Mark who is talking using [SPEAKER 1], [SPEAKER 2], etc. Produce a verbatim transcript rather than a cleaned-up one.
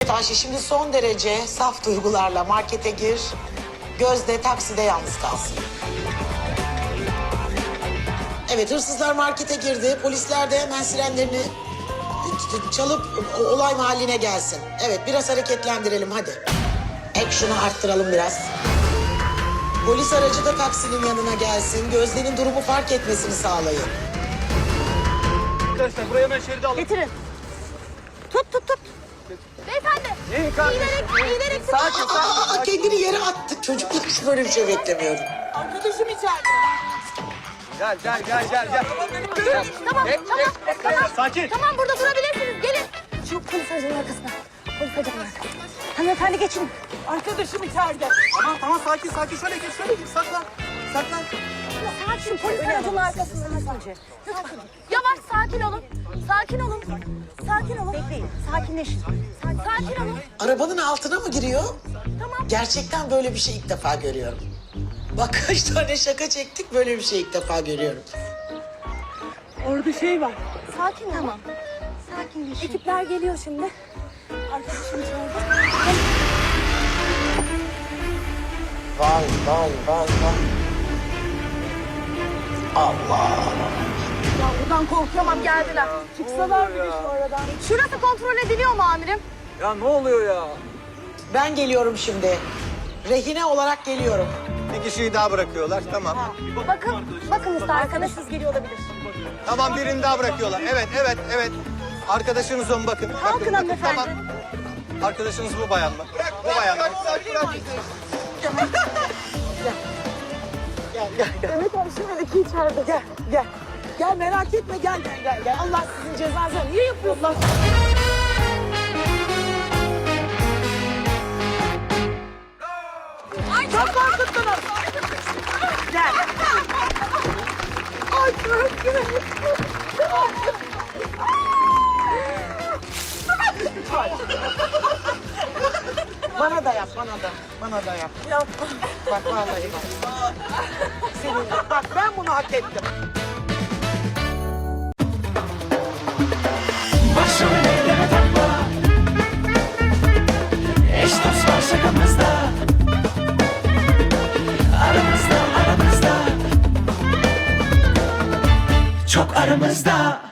[SPEAKER 1] Evet Ayşe, şimdi son derece saf duygularla markete gir. Gözde takside yalnız kalsın. Evet, hırsızlar markete girdi. Polisler de hemen sirenlerini çalıp olay mahalline gelsin. Evet, biraz hareketlendirelim hadi. Action'ı arttıralım biraz. Polis aracı da taksinin yanına gelsin. Gözde'nin durumu fark etmesini sağlayın.
[SPEAKER 2] Arkadaşlar buraya hemen şeridi alın.
[SPEAKER 3] Getirin. Tut tut tut. Beyefendi.
[SPEAKER 2] İyi kardeşim.
[SPEAKER 3] Eğilerek, eğilerek.
[SPEAKER 2] Sakin sakin.
[SPEAKER 1] Aa, kendini yere attı. Çocuklar hiç böyle bir şey beklemiyorum.
[SPEAKER 3] Arkadaşım içeride.
[SPEAKER 2] Gel gel gel gel gel.
[SPEAKER 3] Tamam
[SPEAKER 2] Hep,
[SPEAKER 3] tamam
[SPEAKER 2] hep,
[SPEAKER 3] tamam.
[SPEAKER 2] hep. Sakin.
[SPEAKER 3] Tamam burada durabilirsiniz. Gelin. Şu polis aracının arkasına. Polis aracının arkasına. Hanımefendi geçin. Arkadaşım içeride.
[SPEAKER 2] Tamam tamam sakin sakin. Şöyle geç şöyle geç. Saklan. Saklan.
[SPEAKER 3] Sakin polis aracının arkasında. Yavaş sakin olun. Sakin olun. Sakin olun. Bekleyin. Sakinleşin. Sakin olun.
[SPEAKER 1] Arabanın altına mı giriyor?
[SPEAKER 3] Tamam.
[SPEAKER 1] Gerçekten böyle bir şey ilk defa görüyorum. Bak kaç tane şaka çektik, böyle bir şey ilk defa görüyorum.
[SPEAKER 3] Orada şey var. Sakin tamam. Sakinleşin. Ekipler geliyor şimdi. Arkadaşım içeride.
[SPEAKER 1] Vay vay vay vay. Allah.
[SPEAKER 3] Ya buradan korkuyorum geldiler. Çıksalar bir de şu aradan. Şurası kontrol ediliyor mu amirim?
[SPEAKER 2] Ya ne oluyor ya?
[SPEAKER 1] Ben geliyorum şimdi. Rehine olarak geliyorum.
[SPEAKER 2] Bir kişiyi daha bırakıyorlar. Tamam.
[SPEAKER 3] Bakın, bakın usta arkadaşınız geliyor olabilir.
[SPEAKER 2] Tamam birini daha bırakıyorlar. Evet evet evet. Arkadaşınız on bakın.
[SPEAKER 3] Kalkın
[SPEAKER 2] bakın, bakın.
[SPEAKER 3] hanımefendi.
[SPEAKER 2] Tamam. Arkadaşınız bu bayan mı? Bırak bu bayan mı?
[SPEAKER 3] Evet abi şimdi iki içeride.
[SPEAKER 1] Gel gel. Gel merak etme, gel gel gel. gel. Allah sizin cezanızı niye yapıyorsunuz?
[SPEAKER 3] Ay çok korkuttunuz.
[SPEAKER 1] Gel.
[SPEAKER 3] Ay korkuyorum.
[SPEAKER 1] Bana da yap, bana da. Bana da yap.
[SPEAKER 3] Yapma.
[SPEAKER 1] Bak vallahi bak. Senin, bak ben bunu hak ettim.
[SPEAKER 4] Başrollere takma. Eş dost var şakamızda. Aramızda aramızda. Çok aramızda.